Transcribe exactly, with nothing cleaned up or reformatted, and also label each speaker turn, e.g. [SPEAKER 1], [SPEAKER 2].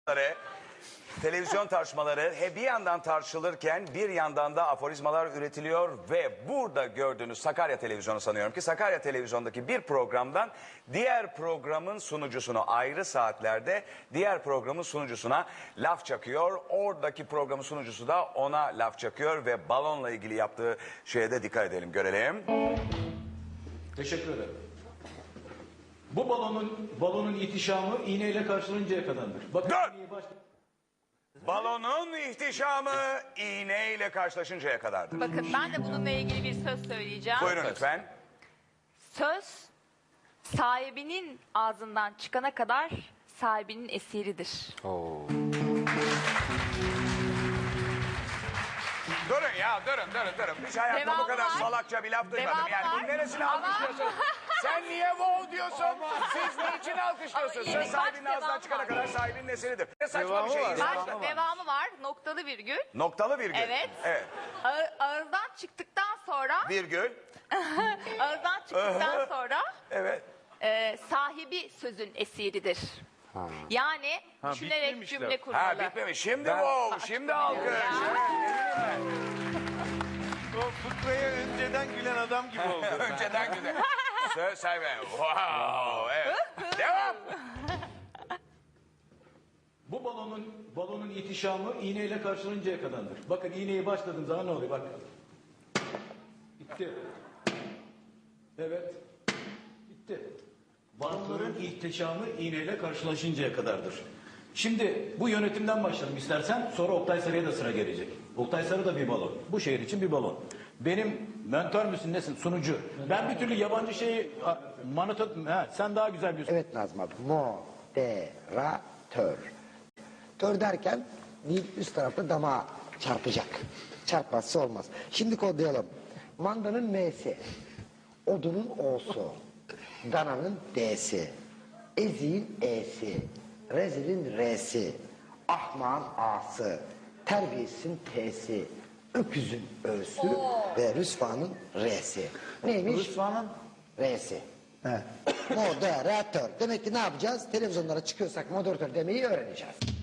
[SPEAKER 1] Televizyon tartışmaları he bir yandan tartışılırken bir yandan da aforizmalar üretiliyor ve burada gördüğünüz Sakarya Televizyonu sanıyorum ki Sakarya Televizyon'daki bir programdan diğer programın sunucusunu ayrı saatlerde diğer programın sunucusuna laf çakıyor. Oradaki programın sunucusu da ona laf çakıyor ve balonla ilgili yaptığı şeye de dikkat edelim, görelim.
[SPEAKER 2] Teşekkür ederim. Bu balonun balonun ihtişamı iğneyle karşılanıncaya kadardır. Bakın
[SPEAKER 1] Dur! Balonun ihtişamı iğneyle karşılaşıncaya kadardır.
[SPEAKER 3] Bakın ben de bununla ilgili bir söz söyleyeceğim.
[SPEAKER 1] Buyurun lütfen.
[SPEAKER 3] Söz sahibinin ağzından çıkana kadar sahibinin esiridir.
[SPEAKER 1] Durun ya, durun, durun, durun. Hiç hayatımda bu
[SPEAKER 3] Devamı
[SPEAKER 1] kadar
[SPEAKER 3] var.
[SPEAKER 1] salakça bir laf duymadım.
[SPEAKER 3] Devamı
[SPEAKER 1] Yani
[SPEAKER 3] var.
[SPEAKER 1] bunun neresini
[SPEAKER 3] Ama-
[SPEAKER 1] alkışlıyorsun? Sen niye wow diyorsun? Siz niçin alkışlıyorsun?
[SPEAKER 3] Ama
[SPEAKER 1] Söz
[SPEAKER 3] iyi,
[SPEAKER 1] sahibinin
[SPEAKER 3] bak,
[SPEAKER 1] ağzından
[SPEAKER 3] devamı
[SPEAKER 1] çıkana
[SPEAKER 3] var.
[SPEAKER 1] kadar sahibinin eseridir. Ne saçma bir şey.
[SPEAKER 3] Baş, devamı var. Noktalı virgül.
[SPEAKER 1] Noktalı virgül.
[SPEAKER 3] Evet.
[SPEAKER 1] Evet.
[SPEAKER 3] Ağ- ağızdan çıktıktan sonra
[SPEAKER 1] Virgül.
[SPEAKER 3] ağızdan çıktıktan sonra
[SPEAKER 1] Evet.
[SPEAKER 3] e, sahibi sözün esiridir. Yani düşünerek
[SPEAKER 4] bitmemişler.
[SPEAKER 3] cümle kurmalı.
[SPEAKER 1] Ha bitmemiş. Şimdi wow, şimdi alkış.
[SPEAKER 3] Ya.
[SPEAKER 4] O fıkraya önceden gülen adam gibi oldu.
[SPEAKER 1] Önceden güzel. Söz sahibi. Wow. Evet. Devam.
[SPEAKER 2] bu balonun balonun ihtişamı iğneyle karşılanıncaya kadardır. Bakın iğneyi başladığım zaman ne oluyor? Bak. Bitti. Evet. Bitti. Balonların ihtişamı iğneyle karşılaşıncaya kadardır. Şimdi bu yönetimden başlayalım istersen. Sonra Oktay Sarı'ya da sıra gelecek. Oktay Sarı da bir balon. Bu şehir için bir balon. Benim mentör müsün nesin? Sunucu. Ben bir türlü yabancı şeyi manıt ha, sen daha güzel bir
[SPEAKER 5] Evet Nazım abi. Moderatör. Tör derken dil üst tarafta damağa çarpacak. Çarpmazsa olmaz. Şimdi kodlayalım. Mandanın M'si. Odunun O'su. Dananın D'si. Eziğin E'si. Rezilin R'si. Ahmağın A'sı. Terbiyesizin T'si. Öküzün Ö'sü ve Rüsvanın R'si. Neymiş?
[SPEAKER 6] Rüsvanın
[SPEAKER 5] R'si. Moderatör. Demek ki ne yapacağız? Televizyonlara çıkıyorsak moderatör demeyi öğreneceğiz.